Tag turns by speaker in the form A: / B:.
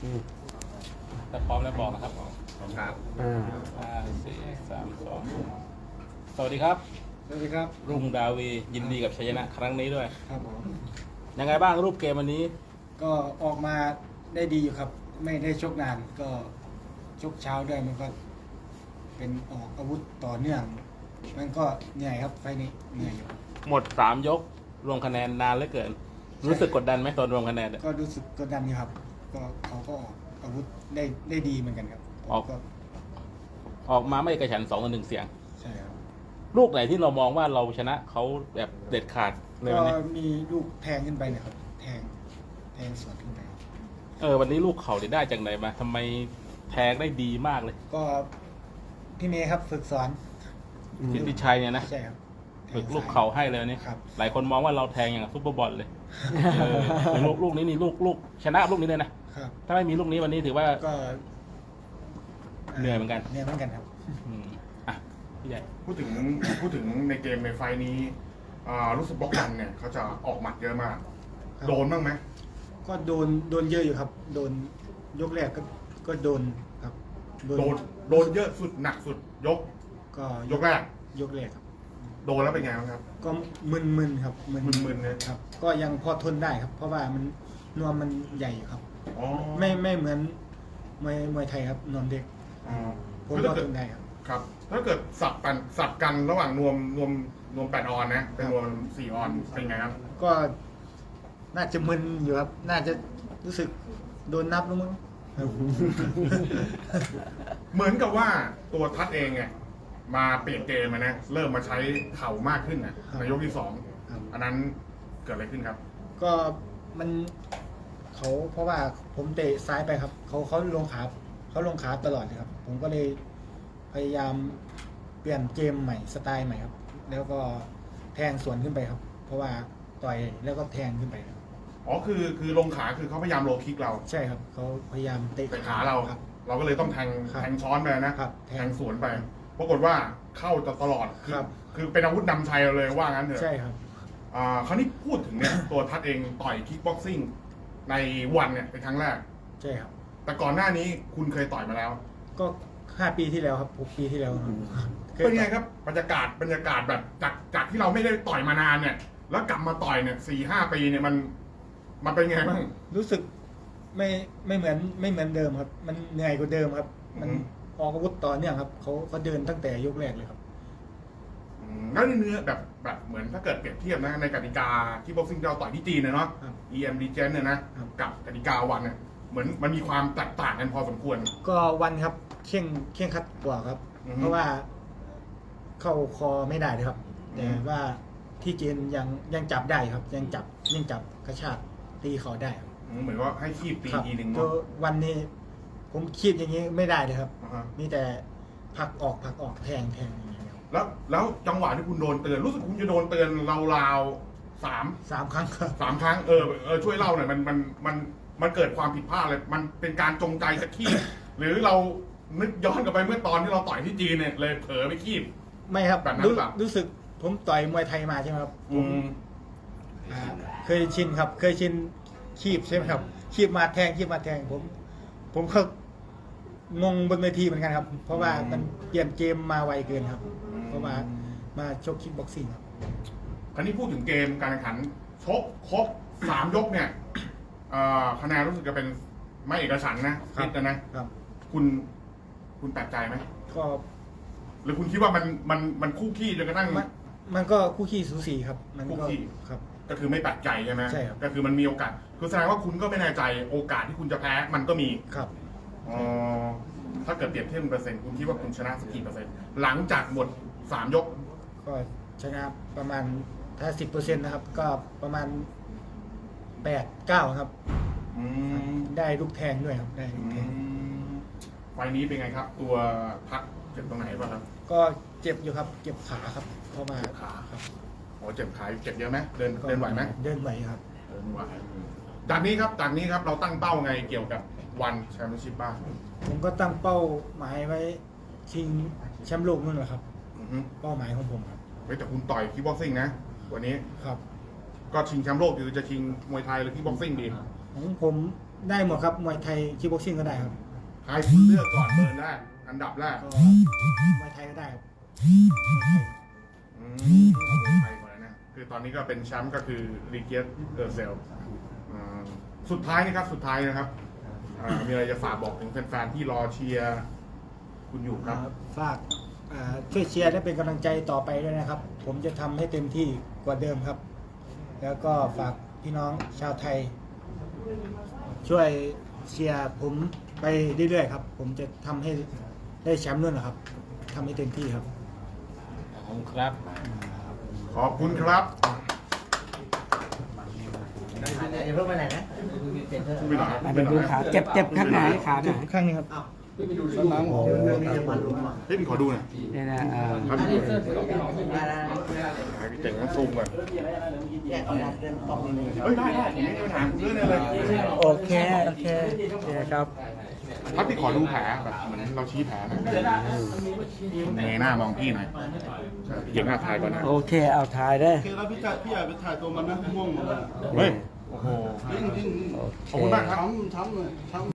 A: ถ้าพร้อมแล้วบอกนะครับ
B: ครับ
A: 5 4 3 2สวัสดีครับ
C: สวัสดีครับ
A: รุ่งดาวียินดีกับชัยชนะครั้งนี้ด้วย
C: ครับผม
A: ยังไงบ้างรูปเกมวันนี้
C: ก็ออกมาได้ดีอยู่ครับ ไม่ได้ชกนานก็ชกเช้าด้วยมันก็ เป็นออกอาวุธต่อเนื่อง มันก็เหนื่อยครับไฟล์นี้เหนื่อยอยู่
A: หมด3 ยกรวมคะแนนนานเหลือเกิน รู้สึกกดดันไหมตอนรวมคะแนนเนี่ย
C: ก็รู้สึกกดดันอยู่ครับ ก็เขาก็ออกอาวุธได้ดีเหมือนกันครับผม
A: ออก
C: ก็
A: ออกมาไม่เอกฉันท์2-1 เสียง
C: ใช่ครับ
A: ลูกไหนที่เรามองว่าเราชนะเขาแบบเด็ดขาดใน
C: ก็
A: วันนี้
C: มีลูกแทงขึ้นไปนะครับ แทงสวนขึ้นไป
A: วันนี้ลูกเขาได้จากไหนมาทำไมแทงได้ดีมากเลย
C: ก็พี่เมย์ครับฝึกสอน
A: สิทธิชัยเนี่ยนะ
C: ใช่ครับ
A: ฝึกลูกเขาให้เลยวันนี้
C: ครับ
A: หลายคนมองว่าเราแทงอย่างซุปเปอร์บอลเลยลูกนี้นี่ลูกชนะลูกนี้เลยนะครับ ถ้าไม่มีลูกนี้วันนี้ถือว่า
C: ก็
A: เหนื่อยเหมือนกัน
C: เหนื่อยเหมือนกันครับ
A: อ่ะพี่ใหญ่
B: พูดถึงในเกมในไฟล์นี้รู้สึกบล็อกกันเนี่ยเขาจะออกหมัดเยอะมาก
C: ครับ
B: โดนบ้างไหม
C: ก็โดนเยอะอยู่ครับ โดนยกแรกก็โดนครับ
B: โดนเยอะสุดหนักสุดยก
C: ก็
B: ยกแรก
C: ยกแรกครับ
B: โดนแล้วเป็นไงบ้างครับ
C: ก็มึนๆครับ
B: มึนๆเลย
C: ครับ ก็ยังพอทนได้ครับ เพราะว่ามันนวมมันใหญ่อยู่ครับ
B: อ๋อ
C: ไม่เหมือนมวยไทยครับนวมเด็ก
B: อ๋อ
C: ผม
B: คือ
C: ก็
B: ถ้าเกิ
C: ท
B: ด
C: นได้ครับ
B: ครับ ถ้าเกิดสับกันระหว่างนวม8 ออนนะเป็นนวม4 ออนเป็นไงครับ
C: ก็น่าจะมึนอยู่ครับ น่าจะรู้สึกโดนนับแล้วมั้งครับ
B: เหมือนกับว่าตัวทัดเองเนี่ยมาเปลี่ยนเกมมานะเริ่มมาใช้เข่ามากขึ้นนะครับ ในยกที่
C: ครับ
B: 2อันนั้นเกิดอะไรขึ้นครับ
C: ก็มันเขาเพราะว่าผมเตะซ้ายไปครับ เขาลงขาตลอดเลยครับ ผมก็เลยพยายามเปลี่ยนเกมใหม่สไตล์ใหม่ครับ แล้วก็แทงสวนขึ้นไปครับ เพราะว่าต่อยแล้วก็แทงขึ้นไปครับ
B: อ๋อคือลงขาคือเขาพยายามโลคิกเรา
C: ใช่ครับเขาพยายามเตะ
B: แต่ขาเรา
C: ครับ
B: เราก็เลยต้องแทง
C: ครับ
B: แทงช้อนไปนะครับ แทงสวนไปปรากฏว่าเข้าตลอด
C: ครับ
B: คือเป็นอาวุธนำชัยเราเลยว่างั้นเถอะ
C: ใช่ครับ
B: คราวนี้พูดถึงเนี่ย ตัวทัดเองต่อยคิกบ็อกซิ่งในวันเนี่ยเป็นครั้งแรก
C: ใช่ครับ
B: แต่ก่อนหน้านี้คุณเคยต่อยมาแล้ว
C: ก็5 ปีที่แล้วครับ6 ปีที่แล้วครับคย
B: เป็นไง
C: ต่อย
B: ครับบรรยากาศแบบจากที่เราไม่ได้ต่อยมานานเนี่ย แล้วกลับมาต่อยเนี่ย4-5 ปีเนี่ยมันเป็นไงบ้าง
C: รู้สึกไม่เหมือนเดิมครับ มันเหนื่อยกว่าเดิมครับ มัน
B: อืม
C: ออกอาวุธต่อเนื่องครับเขาเดินตั้งแต่ยกแรกเลยครับ
B: แล้วในเนื้อแบบเหมือนถ้าเกิดเปรียบเทียบนะในกติกาที่บ็อกซิ่งที่เราต่อยที่จีนเนาะ
C: ครับ
B: EM Legend เนี่ยนะครับ กับกติกาวันเนี่ยเหมือนมันมีความแตกต่างกันพอสมควร
C: ก็วันครับเข่งคัดกว่าครับ
B: อือฮึ
C: เพราะว่าเข้าคอไม่ได้เลยครับ
B: อื
C: แต่
B: ม
C: ว่าที่จีนยังจับได้ครับ ยังจับกระชากตีเขาได้ครับ
B: เหมือนว่าให้คีบตี
C: ครับ
B: ทีหนึ่ง
C: ตั
B: เนาะ
C: ววันนี้ผมคีบอย่างนี้ไม่ได้เลยครับ
B: อ่าฮะ
C: มีแต่ผลักออกแทงอย่างนี้ครับ
B: แล้วจังหวะที่คุณโดนเตือนรู้สึกคุณจะโดนเตือนราวๆ
C: 3 ครั้งครับ
B: 3 ครั้งช่วยเล่าหน่อยมันเกิดความผิดพลาดเลยมันเป็นการจงใจจะคีบ หรือเรานึกย้อนกลับไปเมื่อตอนที่เราต่อยที่จีนเนี่ยเลยเผลอไปคีบ
C: ไม่ครับ
B: แบบนั้นหรือเปล่า
C: รู้สึกผมต่อยมวยไทยมาใช่ไหมครับผม เคยชินครับ เคยชินคีบใช่ไหมครับคีบมาแทงผมก็งงบนเวทีเหมือนกันครับ เพราะว่ามันเปลี่ยนเกมมาไวเกินครับ เพราะว่ามาชกคิกบ็อกซิ่งครับ
B: คราวนี้พูดถึงเกมการแข่งขันชกครบ3 ยกเนี่ยคะแนนรู้สึกจะเป็นไม่เอกฉันท์นะครับ คิดนะครับ คุณแปลกใจไหม
C: ก็
B: หรือคุณคิดว่ามันคู่ขี้จนกระทั่ง
C: มันก็คู่ขี้สูสีครับ มัน
B: คู่
C: ก็
B: ขี้
C: ครับ
B: ก็คือไม่แปลกใจใช่ไหม
C: ใช่ครับ
B: ก็คือมันมีโอกาสคือแสดงว่าคุณก็ไม่แน่ใจโอกาสที่คุณจะแพ้มันก็มี
C: ครับ
B: อ๋อถ้าเกิดเปรียบเทียบเป็นเปอร์เซ็นต์คุณคิดว่าคุณชนะสักกี่เปอร์เซ็นต์หลังจากหมด3 ยก
C: ก็ชนะประมาณถ้า10%นะครับ ก็ประมาณ8-9ครับ
B: อืม
C: ได้ลูกแทงด้วยครับ ได้ลูกแทง
B: ไฟล์นี้เป็นไงครับ ตัวพักเจ็บตรงไหนบ้างครับ
C: ก็เจ็บอยู่ครับ เจ็บขาครับ เพราะว่า
B: เจ็บขา
C: ครับ
B: อ๋อเจ็บขาเจ็บเยอะไหมเดิน
C: ก็
B: เดินไหวไหม
C: เดินไหวครับ
B: เดินไหวจากนี้ครับเราตั้งเป้าไงเกี่ยวกับวันแชมเปี้ยนชิพบ้าง
C: ผมก็ตั้งเป้าหมายไว้ชิงแชมป์โลกนั่นแหละครับ
B: อือฮึ
C: เป้าหมายของผมครับ
B: เฮ้ยแต่คุณต่อยคิกบ็อกซิ่งนะวันนี้
C: ครับ
B: ก็ชิงแชมป์โลกหรือจะชิงมวยไทยหรือคิกบ็อกซิ่งดี
C: ของผมได้หมดครับมวยไทยคิกบ็อกซิ่งก็ได้ครับ
B: ใครคุณเลือกก่อนเบอร์แรกอันดับแรก
C: ก็มวยไทยก็ได้ครับ
B: เอามวยไทยก่อนนะคือตอนนี้ก็เป็นแชมป์ก็คือรีเกียสเออร์เซลสุดท้ายนะครับมีอะไรจะฝากบอกถึงแฟนๆที่รอเชียร์คุณอยู่ครับ
C: ฝากช่วยเชียร์และเป็นกำลังใจต่อไปด้วยนะครับ ผมจะทำให้เต็มที่กว่าเดิมครับ แล้วก็ฝากพี่น้องชาวไทย ช่วยเชียร์ผมไปเรื่อยๆครับ ผมจะทำให้ได้แชมป์ด้วยนะครับทำให้เต็มที่ครับ
A: ขอบคุณครับ
B: ขอบคุณครับ
D: อย่าเพิ่งไปไหนนะเปลี่ยนเถอะ
B: ไม่ได้
E: เดี๋ยวดูขาเจ็บข้างไหนขาไหน
C: ข้างนี้ครับ
B: พี่ขอดูหน่อย
E: เนี่ยนะ
B: ครับพี่เจ๋งนะซูมก่อน
D: แยกออกมาเดินออกนี่
B: เฮ้ยได้ผมไม่มีปัญหาเรื่องอะไรเลย
E: โอเคครับ
B: ครับพี่ขอดูแผลแบบเหมือนเราชี้แผลหน่อยเงยหน้ามองพี่หน่อยเหยียบหน้าทายก่อนนะ
E: โอเคเอาถ่ายได้
F: โอเคแล้วพี่อยากไปถ่ายตัวมันนะม่วงหมดเลย
B: เฮ้ย โอ้โห
F: จริง
B: ขอบคุณมากครับ
F: ช้ำเลยช้ำ